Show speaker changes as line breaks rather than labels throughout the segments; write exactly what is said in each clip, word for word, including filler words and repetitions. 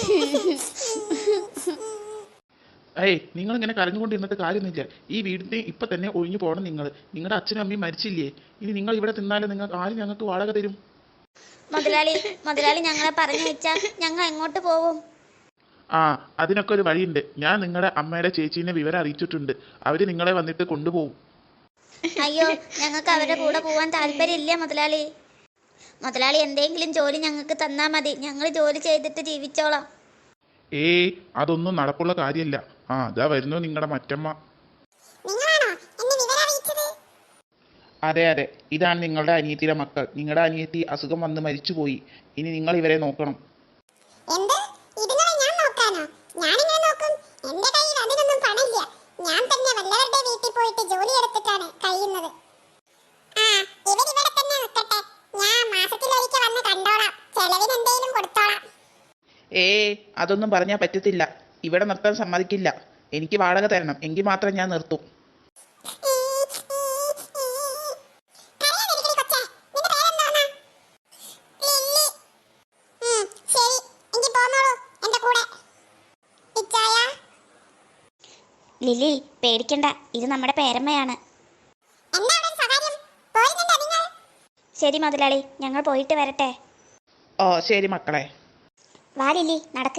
ഏയ് നിങ്ങൾ ഇങ്ങനെ കരഞ്ഞുകൊണ്ട് ഇന്നത്തെ കാര്യമൊന്നുമില്ല. ഈ വീടിന് ഇപ്പം തന്നെ ഒഴിഞ്ഞു പോകണം. നിങ്ങൾ നിങ്ങളുടെ അച്ഛനും അമ്മയും മരിച്ചില്ലേ? ഇനി നിങ്ങൾ ഇവിടെ തിന്നാലും നിങ്ങൾക്ക് ആരും ഞങ്ങൾക്ക് വാടക തരും?
മുതലാളി മുതലാളി ഞങ്ങളെ പറഞ്ഞു വെച്ചാൽ ഞങ്ങൾ എങ്ങോട്ട് പോവും?
ആ, അതിനൊക്കെ ഒരു വഴിയുണ്ട്. ഞാൻ നിങ്ങളുടെ അമ്മയുടെ ചേച്ചീനെ വിവരം അറിയിച്ചിട്ടുണ്ട്. അവർ നിങ്ങളെ വന്നിട്ട് കൊണ്ടുപോകും.
അയ്യോ, ഞങ്ങൾക്ക് അവരുടെ കൂടെ പോവാൻ താല്പര്യമില്ല മുതലാളി. മുതലാളി എന്തെങ്കിലും ജോലി ഞങ്ങൾക്ക് തന്നാൽ മതി, ഞങ്ങൾ ജോലി ചെയ്തിട്ട് ജീവിച്ചോളാം.
ഏയ്, അതൊന്നും നടപ്പുള്ള കാര്യമല്ല. ആ, അതാ വരുന്നു നിങ്ങളുടെ മറ്റമ്മ. അതെ അതെ, ഇതാണ് നിങ്ങളുടെ അനിയത്തിയുടെ മക്കൾ. നിങ്ങളുടെ അനിയത്തി അസുഖം വന്ന് മരിച്ചുപോയി. ഇനി നിങ്ങൾ ഇവരെ നോക്കണം. ഏയ്, അതൊന്നും പറഞ്ഞാൽ പറ്റത്തില്ല. ഇവിടെ നിർത്താൻ സമ്മതിക്കില്ല. എനിക്ക് വാടക തരണം, എങ്കിൽ മാത്രം ഞാൻ നിർത്തും.
ലിലി, പേടിക്കണ്ട, ഇത് നമ്മുടെ പേരമ്മയാണ്. ശരി മുതലാളി, ഞങ്ങൾ പോയിട്ട് വരട്ടെ.
ഓ ശരി മക്കളെ.
വാ ലിലി, നടക്ക്.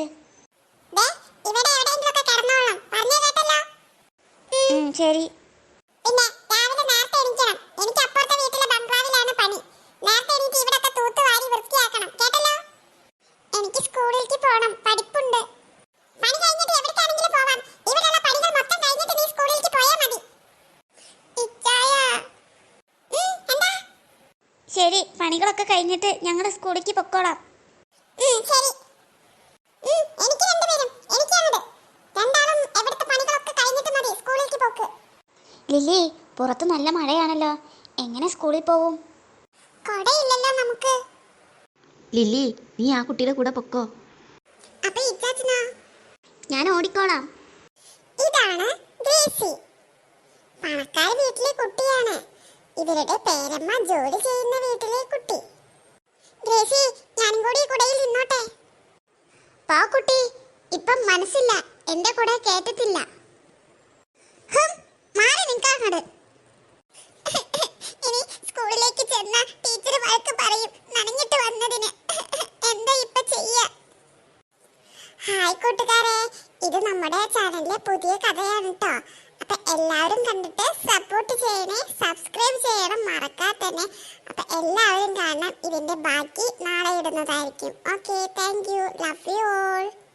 ശരി.
എനിക്ക് സ്കൂളിലേക്ക് പോകണം, പഠിപ്പുണ്ട്. പണി കഴിഞ്ഞിട്ട് എവിടേക്കാണെങ്കിലും പോവാം. ഇവിടെയുള്ള പണികൾ മൊത്തം കഴിഞ്ഞിട്ട് നീ സ്കൂളിലേക്ക് പോയാൽ മതി. എന്താ?
ശരി, പണികളൊക്കെ കഴിഞ്ഞിട്ട് ഞങ്ങൾ സ്കൂളിലേക്ക് പൊക്കോളാം.
ശരി. എനിക്ക് രണ്ടുപേരും എനിക്കാണത്. രണ്ടാളും എവിടുത്തെ പണികളൊക്കെ കഴിഞ്ഞിട്ട് മതി സ്കൂളിലേക്ക് പോക്ക്.
ലിലി, പുറത്ത് നല്ല മഴയാണല്ലോ, എങ്ങനെ സ്കൂളിൽ പോവും?
കൊടയില്ലല്ലോ നമുക്ക്.
ലിലി, നീ ആ കുട്ടിയുടെ കൂടെ പൊക്കോ.
അപ്പൊ ഇച്ചാച്ചനോ?
ഞാൻ ഓടിക്കോളാം.
ഇതാണ് ഗ്രേസി, പണക്കാര വീട്ടിലെ കുട്ടിയാണ്. ഇവരുടെ പേരമ്മ ജോലി ചെയ്യുന്ന വീട്ടിലെ കുട്ടി. ഗ്രേസി, ഞാനും കൂടി കുടയിൽ നിന്നോട്ടെ? പാ കുട്ടി, ഇപ്പം മനസ്സില്ല, എന്റെ കൂടെ കേട്ടത്തില്ല. മാറി നിൽക്കാങ്ങട്. ഇനി സ്കൂളിലേക്ക് ചെന്ന ടീച്ചർ വഴക്ക് പറയും നനഞ്ഞിട്ട് വന്നതിന്. എന്താ ഇപ്പൊ ചെയ്യ? ഹായ് കൂട്ടുകാരെ, ഇത് നമ്മുടെ ചാനലിലെ പുതിയ കഥയാണ് കേട്ടോ. അപ്പൊ എല്ലാവരും കണ്ടിട്ട് സപ്പോർട്ട് ചെയ്യണേ, സബ്സ്ക്രൈബ് ചെയ്യണം മറക്കാതെ തന്നെ. അപ്പൊ എല്ലാവരും കാണണം. ഇതിന്റെ ബാക്കി നാളെ ഇടുന്നതായിരിക്കും. Okay, thank you, love you all.